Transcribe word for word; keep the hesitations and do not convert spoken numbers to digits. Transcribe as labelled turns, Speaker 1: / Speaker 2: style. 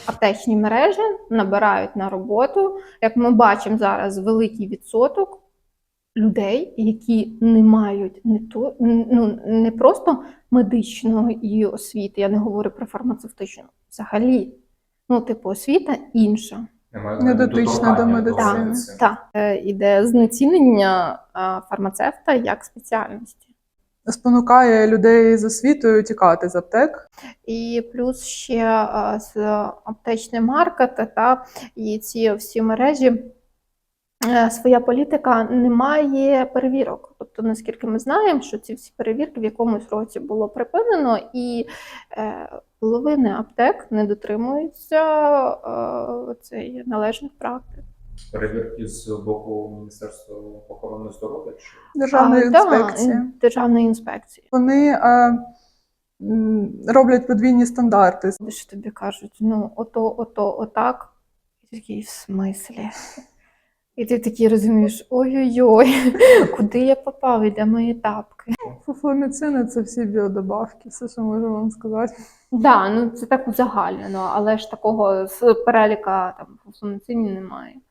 Speaker 1: аптечні мережі набирають на роботу, як ми бачимо зараз, великий відсоток людей, які не мають не то, ну, не просто медичної освіти, я не говорю про фармацевтичну, взагалі. Ну, типу, освіта інша.
Speaker 2: Не дотична до медицини.
Speaker 1: Так, так. Іде знецінення фармацевта як спеціальності.
Speaker 2: Спонукає людей з освітою тікати з аптек.
Speaker 1: І плюс ще з аптечний маркет та і ці всі мережі, своя політика не має перевірок. Тобто, наскільки ми знаємо, що ці всі перевірки в якомусь році було припинено, і е, половини аптек не дотримуються е, цей, належних практик.
Speaker 3: Перевірки з боку Міністерства охорони здоров'я? Чи?
Speaker 2: Державної
Speaker 1: а,
Speaker 2: інспекції.
Speaker 1: Да, Державної інспекції.
Speaker 2: Вони е, роблять подвійні стандарти.
Speaker 1: Що тобі кажуть, ну, ото, ото, отак. І такий, в смислі? І ти такий розумієш, ой-ой-ой, куди я попав, і де мої тапки?
Speaker 2: Фуфломіцин – це всі біодобавки, все, що можу вам сказати.
Speaker 1: Так, да, ну це так узагальнено, але ж такого з переліка там фуфломіцинів немає.